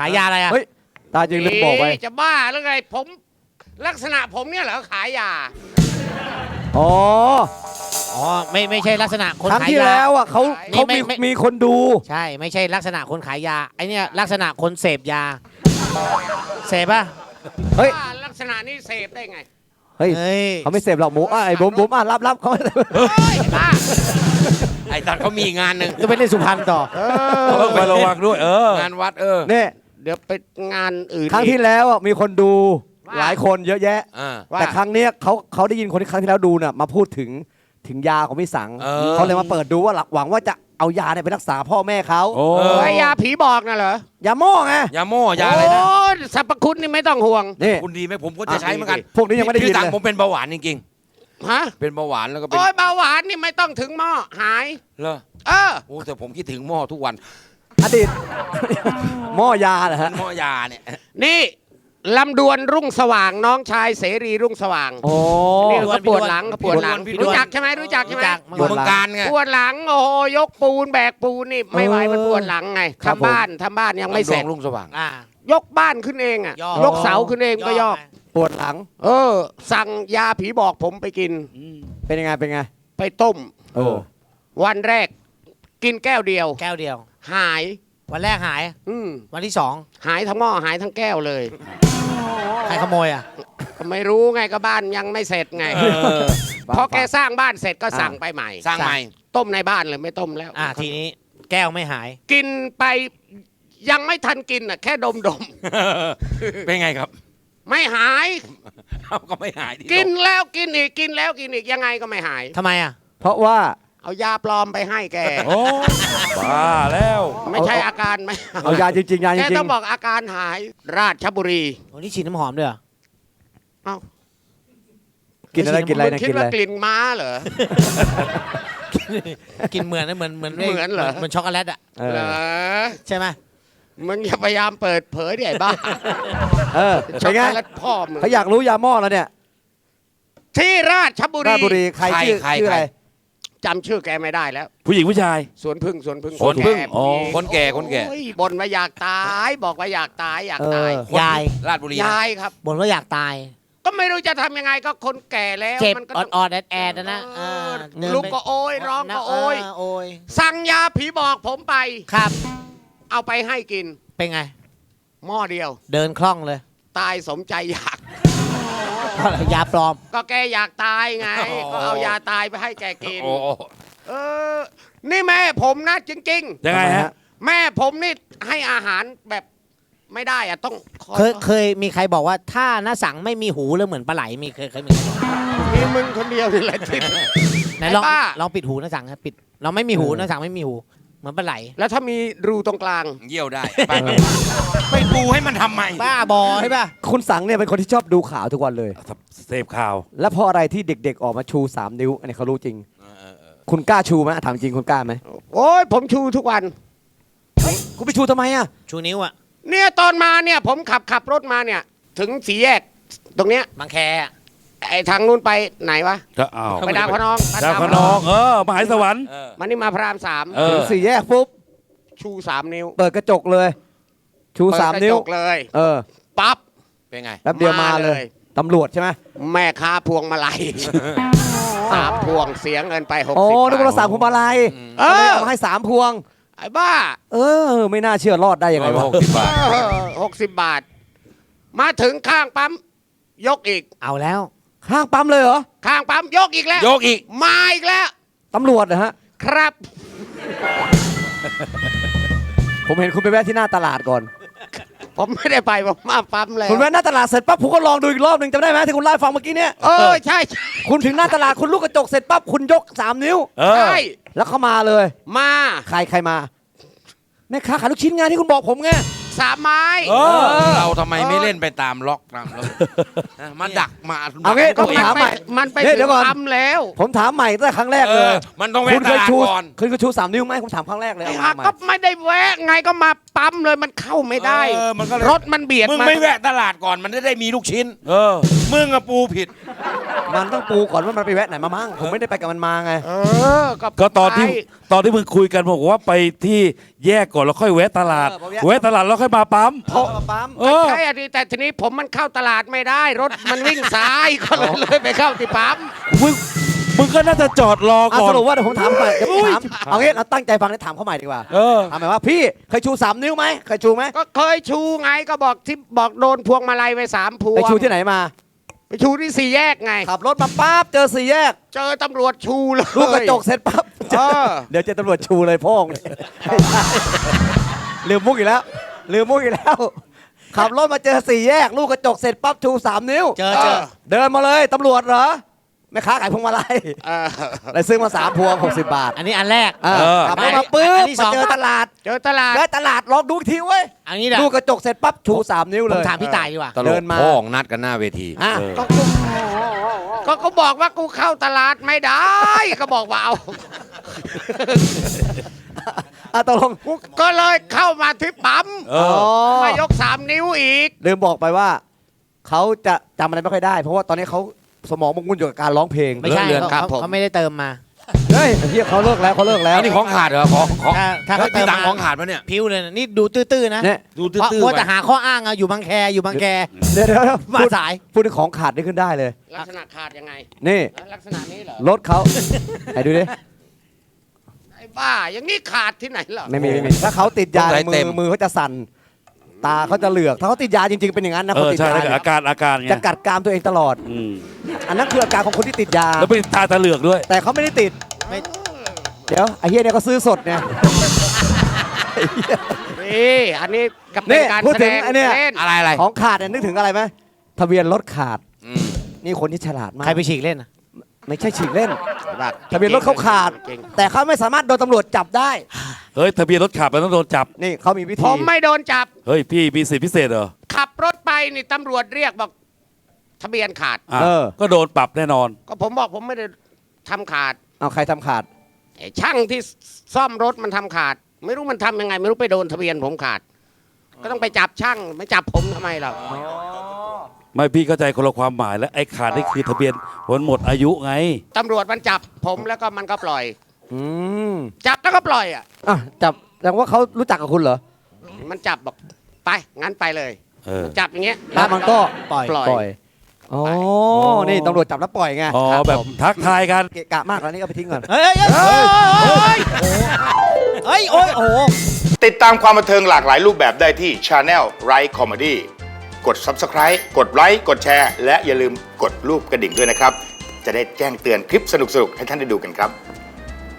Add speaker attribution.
Speaker 1: ายยาอะไรอ่ะ
Speaker 2: เฮ้ยตาจริงลืมบอกไป
Speaker 3: จะบ้าหรือไงผมลักษณะผมเนี่ยเหรอขายยา
Speaker 2: อ๋อ
Speaker 1: อ๋อไม่ใช่ลักษณะคน
Speaker 2: ครั้ง
Speaker 1: ขาย
Speaker 2: ที่
Speaker 1: ยา
Speaker 2: แล้วอ่ะเขา
Speaker 1: ไม่
Speaker 2: มีคนดู
Speaker 1: ใช่ไม่ใช่ลักษณะคนขายยาไอเนี่ยลักษณะคนเสพยาเสพป่ะ
Speaker 2: เฮ้ย
Speaker 3: บ้าลักษณะนี้เสพได้ไง
Speaker 2: เฮ้ย
Speaker 1: เฮ้ย
Speaker 2: เขาไม่เสพหรอกหมูไอ้บุ๋มรับเขา
Speaker 3: เฮ้ยบ้า
Speaker 4: ไอ้ตัดเขามีงานหนึ่ง
Speaker 1: จะไปเล่นสุพรรณต่อ
Speaker 5: ต้องไประวังด้วย
Speaker 4: งานวัด
Speaker 2: เนี่ย
Speaker 3: เดี๋ยวไปงานอื่น
Speaker 2: ครั้งที่แล้วอ่ะมีคนดูหลายคนเยอะแยะ
Speaker 3: ว่า
Speaker 2: แต่ครั้งเนี้ยเขาได้ยินคนที่ครั้งที่แล้วดูน่ะมาพูดถึงยาของพี่สังเขาเลยมาเปิดดูว่าหวังว่าจะเอายาเนี่ยไปรักษาพ่อแม่เขา
Speaker 5: โอ้
Speaker 3: ไอ้ยาผีบอกน่ะเหรอย
Speaker 2: าหม้อไง
Speaker 4: ยาโม่ยาอะไรนะ
Speaker 3: โอ้สรรพคุณนี่ไม่ต้องห่วง
Speaker 2: นี่
Speaker 4: คุณดีไหมผมก็จะใช้เหมือนกัน
Speaker 2: พวกนี้ยังไม่ได้ยิน
Speaker 4: พี่ตัง
Speaker 2: เลย
Speaker 4: ผมเป็นเบาหวานจริง
Speaker 3: ฮะ
Speaker 4: ๆเป็นเบาหวานแล้วก็เป็น
Speaker 3: โอ้ยเบาหวานนี่ไม่ต้องถึงหม้อหาย
Speaker 4: เหรอ
Speaker 3: เออ
Speaker 4: โอ้แต่ผมคิดถึงหม้อทุกวัน
Speaker 2: อดีต หม้อยาเหรอฮะ
Speaker 4: หม้อยาเนี่ย
Speaker 3: นี่ลำดวนรุ่งสว่างน้องชายเสรีรุ่งสว่าง
Speaker 2: โอ้
Speaker 3: นี่เขาปวดหลังเขาปวดหลัง
Speaker 4: พี่ดวน
Speaker 3: รู้จักใช่ไหมรู้จักใช่ไหม
Speaker 4: อยู่เมืองการไง
Speaker 3: ปวดหลังโอ้โหยกปูนแบกปูนนี่ไม่ไหวมันปวดหลังไงทำบ้านยังไม่เสร็จ
Speaker 4: ลุงสว่าง
Speaker 1: อ่าย
Speaker 3: กบ้านขึ้นเองอ่ะ
Speaker 1: ย่อ
Speaker 3: ยกเสาขึ้นเองก็ยอก
Speaker 2: ปวดหลัง
Speaker 3: สั่งยาผีบอกผมไปกิน
Speaker 2: เป็นยังไงเป็นไง
Speaker 3: ไปต้ม
Speaker 2: เออ
Speaker 3: วันแรกกินแก้วเดียว
Speaker 1: แก้วเดียว
Speaker 3: หาย
Speaker 1: วันแรกหาย วันที่สอง
Speaker 3: หายทั้งหม้อหายทั้งแก้วเลย
Speaker 1: ใครขโมยอ่ะ
Speaker 3: ก็ไม่รู้ไงก็บ้านยังไม่เสร็จไงพอแกสร้างบ้านเสร็จก็สั่งไปใหม่
Speaker 4: สร้างใหม่
Speaker 3: ต้มในบ้านเลยไม่ต้มแล้ว
Speaker 1: ทีนี้แก้วไม่หาย
Speaker 3: กินไปยังไม่ทันกินอ่ะแค่ดม
Speaker 4: เป็นไงครับ
Speaker 3: ไม่หาย
Speaker 4: เอาก็ไม่หายดิ
Speaker 3: กินแล้วกินอีกกินแล้วกินอีกยังไงก็ไม่หาย
Speaker 1: ทำไมอ่ะ
Speaker 2: เพราะว่า
Speaker 3: เอายาปลอมไปให้แก
Speaker 5: โอ้บ้าแล้ว
Speaker 3: ไม่ใช่อาการไม่
Speaker 2: เอายาจริงๆยาจ
Speaker 3: แก
Speaker 2: ริ
Speaker 3: ต้อง งบอกอาการหายราชบุรี
Speaker 1: วันนี้ฉีดน้ำหอมด้วยเหรอ
Speaker 3: เอ้า
Speaker 2: ๆกินอะไรกินอะไร
Speaker 3: มึง
Speaker 2: นะ
Speaker 3: คิด
Speaker 2: กินอะ
Speaker 3: ว่า
Speaker 2: ไร
Speaker 3: กลิ่นม้าเหรอ
Speaker 1: กินเหมือนนะเหมือน
Speaker 3: เหมือนเหรอ
Speaker 1: เหมือนช็อกโกแลตอ่ะ
Speaker 2: เอ
Speaker 3: เหร
Speaker 2: อ
Speaker 3: อ
Speaker 1: ใช่ไหม
Speaker 3: มึงอย่าพยายามเปิดเผยดิไอ้บ้า
Speaker 2: เออ
Speaker 3: ช็
Speaker 2: เป็
Speaker 3: อก
Speaker 2: นไง
Speaker 3: โกแลตพ่อมึง
Speaker 2: เขาอยากรู้ยาหม้อแล้วเนี่ย
Speaker 3: ที่ราชบุ
Speaker 2: ราชบุ
Speaker 3: รี
Speaker 2: รีใครชื่ออะไร
Speaker 3: จำชื่อแกไม่ได้แล้ว
Speaker 5: ผู้หญิงผู้ชาย
Speaker 3: สวนพึ่งสวนพึ่ง
Speaker 5: สวนพึ่ง
Speaker 3: แก่
Speaker 5: อ๋อ
Speaker 4: คนแก่คนแก่
Speaker 3: โอ้ยบ่นว่าอยากตายบอกว่าอยากตายอยากตาย
Speaker 4: คน
Speaker 1: ยาย
Speaker 4: ราชบุรีนะ
Speaker 3: ยายครับ
Speaker 1: บ่นว่าอยากตาย
Speaker 3: ก็ไม่รู้จะทำยังไงก็คนแก่แล้ว
Speaker 1: เจ็บ
Speaker 3: มันก็
Speaker 1: อ
Speaker 3: ต้อง
Speaker 1: อดๆแอดๆนะ
Speaker 3: เออ
Speaker 1: เดิน
Speaker 3: ลูก
Speaker 1: ไป
Speaker 3: ก็โอยร้องก็โอย
Speaker 1: โอย
Speaker 3: สั่งยาผีบอกผมไป
Speaker 1: ครับ
Speaker 3: เอาไปให้กิน
Speaker 1: เป็นไง
Speaker 3: หม้อเดียว
Speaker 1: เดินคล่องเลย
Speaker 3: ตายสมใจอยาก
Speaker 1: เพราะอะไรยาปลอม
Speaker 3: ก็แกอยากตายไง ก็เอายาตายไปให้แกกิน
Speaker 4: โอ้โห
Speaker 3: เออ นี่แม่ผมนะจริง
Speaker 5: ยังไงฮะ
Speaker 3: ๆ แม่ผมนี่ให้อาหารแบบไม่ได้อะต้องคอย
Speaker 1: เคยมีใครบอกว่าถ้าน้าสังไม่มีหูแล้วเหมือนปลาไหลมีเคยมีใครบอก
Speaker 3: มีมึงคนเดียวนี่แหละที่
Speaker 1: ไหนลอง
Speaker 3: ไอ้บ้า
Speaker 1: ลองปิดหูน้าสังครับปิด เราไม่มีหูน้าสังไม่มีหูเหมือนปลาไหล
Speaker 3: แล้วถ้ามีรูตรงกลาง
Speaker 4: เยี่ยวได้ไปไปปูให้มันทำไม
Speaker 1: บ้าบอใช่ป่ะ
Speaker 2: คุณสังเนี่ยเป็นคนที่ชอบดูข่าวทุกวันเลย
Speaker 5: เสพข่าว
Speaker 2: แล้วเพราะอะไรที่เด็กๆออกมาชู 3 นิ้ว อันนี้เขารู้จริง คุณกล้าชูไหมถามจริงคุณกล้าไหม
Speaker 3: โอ้ยผมชูทุกวัน
Speaker 2: คุณไปชูทำไมอ่ะ
Speaker 1: ชูนิ้วอะ
Speaker 3: เนี่ยตอนมาเนี่ยผมขับรถมาเนี่ย ถึงสี่แยกตรงเนี้ย
Speaker 1: บางแคอะ
Speaker 3: ไอ้ทางนู้นไปไหนวะ
Speaker 5: ก็อ้าว
Speaker 3: ไปดาวพะนอง
Speaker 5: ดาวขนองมหาสวรรค์
Speaker 3: มันนี่มาพระรามสาม
Speaker 5: เออ
Speaker 2: ถึง4 แยกปุ๊บ
Speaker 3: ชู3 นิ้ว
Speaker 2: เปิดกระจกเลย ชู
Speaker 3: เปิด
Speaker 2: 3 นิ้ว
Speaker 3: กระจกเลย
Speaker 2: เออ
Speaker 3: ปั๊บ
Speaker 4: เป็นไง
Speaker 2: แป๊บเดียวมาเลยตำรวจใช่ไหม
Speaker 3: แม่ค้าพวงมาลัย 3 พวงเสียเงินไป60
Speaker 2: โอ้
Speaker 3: บาท
Speaker 2: นึกว่าเราสั่งพวงมาลัย
Speaker 3: เอ
Speaker 2: ก็เลย
Speaker 3: อ
Speaker 2: เอามาให้3 พวง
Speaker 3: ไอ้บ้า
Speaker 2: เออ ไม่น่าเชื่อรอดได้ยังไงวะ
Speaker 4: 60 บาท
Speaker 3: 60 บาท มาถึงข้างปั๊มยกอีก
Speaker 1: เอาแล้ว
Speaker 2: ข้างปั๊มเลยเหรอ
Speaker 3: ข้างปั๊มยกอีกแล้ว
Speaker 4: ยกอีก
Speaker 3: มาอีกแล้ว
Speaker 2: ตำรวจนะฮะ
Speaker 3: ครับ
Speaker 2: ผมเห็นคุณไปแวะที่หน้าตลาดก่อน
Speaker 3: ผมไม่ได้ไปผมมาปั๊มแล้ว
Speaker 2: คุณแวะหน้าตลาดเสร็จปั๊บผมก็ลองดูอีกรอบหนึ่งจำได้ไหมที่คุณเล่าให้ฟังเมื่อกี้เนี่ย
Speaker 3: ใช่ใช่
Speaker 2: คุณถึงหน้าตลาดคุณลูกกระจกเสร็จปั๊บคุณยก 3 นิ้ว
Speaker 5: เออ
Speaker 3: ใช่
Speaker 2: แล้วเขามาเลย
Speaker 3: มา
Speaker 2: ใครมาแม่ค้าขายลูกชิ้นไงที่คุณบอกผมไง
Speaker 3: 3 ไม้
Speaker 5: เออ
Speaker 4: เราทำไมไม่เล่นไปตามล็อกตามล็อกมาดักมา
Speaker 2: เอางี้
Speaker 4: ดัก
Speaker 2: ต้อง
Speaker 4: ตัวเ
Speaker 2: ถามใหม่
Speaker 3: มันไป
Speaker 2: เดี๋ยวก่อน
Speaker 3: ปั๊มแล้ว
Speaker 2: ผมถามใหม่ตั้งแต่ครั้งแรก
Speaker 4: เอ
Speaker 2: เล
Speaker 4: อย มันต้องแวะ
Speaker 2: คุณ
Speaker 4: ต
Speaker 2: เคย
Speaker 4: ลาด
Speaker 2: ชู
Speaker 4: ก่อน
Speaker 2: คุณเคยชู3 นิ้วไหมผมถามครั้งแรกเลย
Speaker 3: ไอ้
Speaker 2: เอา
Speaker 3: ห่า
Speaker 2: ใหม่
Speaker 3: ก็ไม่ได้แวะไงก็มาปั๊มเลยมันเข้าไม่ได้
Speaker 4: เออมันก็เลย
Speaker 3: รถมันเบียด
Speaker 4: มึง
Speaker 3: มา
Speaker 4: ไม่แวะตลาดก่อนมันจะได้มีลูกชิ้น
Speaker 5: เออ
Speaker 4: มึงอะปูผิด
Speaker 2: มันต้องปูก่อนว่ามันไปแวะไหนมามั่งผมไม่ได้ไปกับมันมาไง
Speaker 5: ก็ตอนที่
Speaker 3: ไป
Speaker 5: มึงคุยกันบอกว่าไปที่แยกก่อนแล้วค่อยแวะตลาด แวะตลาดแล้วค่อยมาปั๊ม
Speaker 2: เพราะปั๊ม
Speaker 5: เออ
Speaker 3: ใช่อะดิแต่ทีนี้ผมมันเข้าตลาดไม่ได้รถมันวิ่งซ้ายก็เลยไปเข้าที่ปั๊ม
Speaker 5: มึงก็น่าจะจอดรอก่อ
Speaker 2: ส
Speaker 5: น
Speaker 2: รุปว่าเดี๋ยวผมถามใหม่เดี๋ยวผมถามเอางี้เราตั้งใจฟังแล้วถามเขาใหม่ดีกว่า
Speaker 5: เออ
Speaker 2: ถามหมายว่าพี่เคยชู3 นิ้วไหมเคยชูไหม
Speaker 3: ก็เคยชูไงก็บอกที่บอกโดนพวงมาลัยไป3 พวง
Speaker 2: ไปชูที่ไหนมา
Speaker 3: ไปชูที่4 แยกไง
Speaker 2: ขับรถมาปั๊บเจอ4 แยก
Speaker 3: เจอตำรวจชูเลย
Speaker 2: ลูกกระจกเสร็จปั๊บ
Speaker 3: เออ
Speaker 2: เดี๋ยวเจอตำรวจชูเลยพ่องลืมมุกอีกแล้วลืมมุกอีกแล้ว ขับรถมาเจอ4 แยก ลูกกระจกเสร็จปั๊บชู3 นิ้ว
Speaker 1: เจอ
Speaker 2: เดินมาเลยตำรวจเหรอแม่ค้าขายพวงมาลัย
Speaker 3: เออ
Speaker 2: เลยซื้อมา3 พวง60 บาท
Speaker 1: อันนี้อันแรก
Speaker 2: ขับรถมาปุ๊บ
Speaker 1: อันที่ส
Speaker 2: มา
Speaker 1: อง
Speaker 2: เจอตลาด
Speaker 3: เจอตลาด
Speaker 2: แล้วตลาดลองดูอีกทีเว้ย
Speaker 1: อันนี้แหละ
Speaker 2: ลูกกระจกเสร็จปั๊บชู3 นิ้ว
Speaker 1: ผ
Speaker 2: เล
Speaker 1: ม
Speaker 2: ย
Speaker 1: ถามพี่ต่ายดีกว่า
Speaker 4: ตล
Speaker 2: เดิ
Speaker 4: ก
Speaker 2: นมา
Speaker 4: พ่องนัดกันหน้าเวที
Speaker 2: อ่ะ
Speaker 5: เออ
Speaker 3: ก็เขาบอกว่ากูเข้าตลาดไม่ได้ก็บอกว่าเอา
Speaker 2: ตกลง
Speaker 3: กูก็เลยเข้ามาที่ปั๊ม
Speaker 5: เออ
Speaker 3: มายก3 นิ้วอีก
Speaker 2: ลืมบอกไปว่าเขาจะจำอะไรไม่ค่อยได้ เพราะว่าตอนนี้เขาสมองมุ่งอยู่กับการร้องเพลง
Speaker 1: ไม่ใช่
Speaker 3: เลื่อนครับ
Speaker 1: เขา
Speaker 3: ผม
Speaker 1: เขาไม่ได้เติมมา
Speaker 2: เฮ้ยเฮียเขาเลิกแล้วเขาเลิกแล้ว
Speaker 4: อันนี้ของขาดเหรอของ
Speaker 1: ถ้าเขาเติ
Speaker 4: ที่
Speaker 1: ม
Speaker 4: ตัง
Speaker 1: มา
Speaker 4: ของขาดปะเนี่ย
Speaker 1: พิ้วเลยนะนี่ดูตื้อๆนะ
Speaker 2: เนี่ย
Speaker 4: ดู
Speaker 1: เพราะ
Speaker 4: ตื้อ
Speaker 1: ว่า
Speaker 4: ๆไป
Speaker 1: จะหาข้ออ้างอะอยู่บางแคอยู่บางแค
Speaker 2: เดี๋ยว
Speaker 1: มา
Speaker 2: พูด
Speaker 1: สาย
Speaker 2: พูดถึงของขาดนี่ขึ้นได้เลย
Speaker 3: ลักษณะขาดยังไง
Speaker 2: นี่
Speaker 3: ลักษณะนี้เหรอ
Speaker 2: รถเขาไหนดูดิ
Speaker 3: ไอ้บ้าอย่างนี้ขาดที่ไหนเหรอ
Speaker 2: ไม่มีถ้าเขาติดยาในมือเขาจะสั่นตาเขาจะเหลือกถ้าเขาติดยาจริงๆเป็นอย่างนั้นนะ
Speaker 5: เอ
Speaker 2: คน
Speaker 5: อ
Speaker 2: ติด
Speaker 5: ใช่
Speaker 2: ยา
Speaker 5: แล้วก็
Speaker 2: เนี่ย
Speaker 5: อาการไง
Speaker 2: จะกัดกรามตัวเองตลอด
Speaker 5: อืม
Speaker 2: อันนั้นคืออาการของคนที่ติดยา
Speaker 5: แล้วเป็นตาเหลือกด้วย
Speaker 2: แต่เขาไม่ได้ติด
Speaker 1: ไม่
Speaker 2: เดี๋ยวไอ้เฮียเนี่ยเขาซื้อสดเนี่ย
Speaker 3: นี่อันนี้กับ
Speaker 2: นี่
Speaker 3: เป็นการ
Speaker 2: พูด
Speaker 3: แส
Speaker 2: ถึ
Speaker 3: ด
Speaker 2: ง
Speaker 3: ง
Speaker 2: ไอ้เนี่ย
Speaker 3: เล่น
Speaker 4: อะไร
Speaker 2: ของขาดเนี่ยนึกถึงอะไรไหมทะเบียนรถขาด
Speaker 4: อืม
Speaker 2: นี่คนที่ฉลาดมาก
Speaker 1: ใครไปฉีกเล่นอะ
Speaker 2: ไม่ใช่ฉีกเล่น
Speaker 3: บ้า
Speaker 2: ทะเบียนรถเขาขาด
Speaker 3: จริง
Speaker 2: แต่เขาไม่สามารถโดนตำรวจจับได้
Speaker 5: เฮ้ยทะเบียนรถขับมันต้องโดนจับ
Speaker 2: นี่เขามีวิ
Speaker 3: ๆ
Speaker 2: ธี
Speaker 3: ผมไม่โดนจับ
Speaker 5: เฮ้ยพี่มีสิทธิพิเศษเหรอ
Speaker 3: ขับรถไปนี่ตำรวจเรียกบอกทะเบียนขาด
Speaker 5: อ่ะก็โดนปรับแน่นอน
Speaker 3: ก็ผมบอกผมไม่ได้ทำขาด
Speaker 2: เอาใครทำขาด
Speaker 3: ไอ้ช่างที่ซ่อมรถมันทำขาด ไม่รู้มันทำยังไง ไม่รู้ไปโดนทะเบียนผมขาด ก็ต้องไปจับช่างไม่จับผมทำไมเรา
Speaker 5: ไม่พี่เข้าใจคนละความหมายแล้วไอ้ขาดนี่คือทะเบียนวันหมดอายุไง
Speaker 3: ตำรวจมันจับผมแล้วก็มันก็ปล่อย
Speaker 2: อืม
Speaker 3: จับแล้วก็ปล่อยอ่ะ
Speaker 2: อ่ะจับแสดงว่าเขารู้จักกับคุณเหรอ
Speaker 3: มันจับบอกไปงั้นไปเลย
Speaker 5: เออ
Speaker 3: จับอย่างเงี้ย
Speaker 2: แล้วมันก็
Speaker 1: ปล่อย
Speaker 3: ปล่อย
Speaker 2: ปล่อยอ๋อนี่ตำรวจจับแล้วปล่อยไง
Speaker 5: อ๋อ
Speaker 3: ครับ
Speaker 5: แบบ
Speaker 3: ผม
Speaker 5: ทักทายกัน
Speaker 2: เกะกะมากแล้วนี่ก็ไปทิ้งก่อน
Speaker 1: เฮ้ยเฮ้ยเฮ้ยโอ้ยโอ้โห
Speaker 6: ติดตามความบันเทิงหลากหลายรูปแบบได้ที่ Channel Right Comedy กด Subscribe กดไลค์กดแชร์และอย่าลืมกดรูปกระดิ่งด้วยนะครับ จะได้แจ้งเตือนคลิปสนุกๆ ให้ท่านได้ดูกันครับ